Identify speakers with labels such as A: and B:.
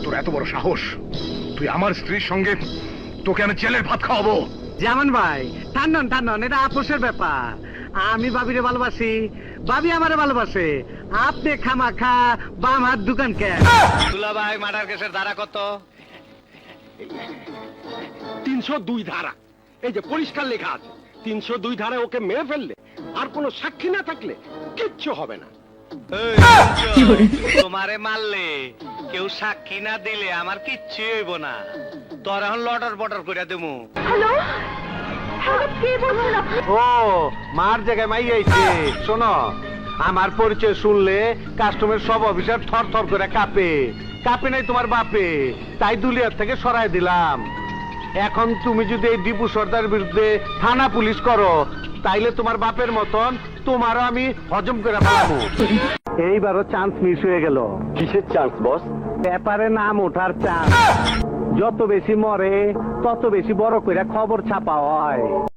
A: তোর এত বড় সাহস, তুই আমার স্ত্রীর সঙ্গে, তোকে আমি জেলের ভাত খাওয়াবো।
B: যেমন ভাই টান্নন এটা আপোষের ব্যাপার। আমি ভাবিরে ভালোবাসি, ভাবি আমারে ভালোবাসে। আপনি খামাখা বাম হাত দোকান কে?
C: দুলা ভাই মার্ডার কেসের ধারা কত?
D: 302 ধারা। এই যে পরিষ্কার লেখা আছে 302 ধারায় ওকে মেরে ফেললে আর কোনো সাক্ষী না থাকলে কিচ্ছু হবে না।
C: তোমারে মারলে কেউ সাক্ষী না দিলে আমার কিচ্ছু হইব না। তোর এখন লটর বটর করে দেবো।
E: হ্যালো হ্যালো, কে বলছেন আপনি?
B: ও মার জায়গায় মাই আইছে। শোনো, আমার পরিচয় শুনলে কাস্টমার সব অফিসার থর থর করে কাঁপে। কাঁপে নাই তোমার বাপে, তাই দুলিয়ার থেকে সরাই দিলাম। এখন তুমি যদি এই দীপু সর্দার বিরুদ্ধে থানা পুলিশ করো, তাইলে তোমার বাপের মতন তোমারও আমি হজম করে ফেলাবো। এইবারও চান্স মিস হয়ে গেল।
D: কিসের চান্স বস?
B: পেপারে নাম ওঠার চান্স। যত বেশি মরে তত বেশি বড় করে খবর ছাপা হয়।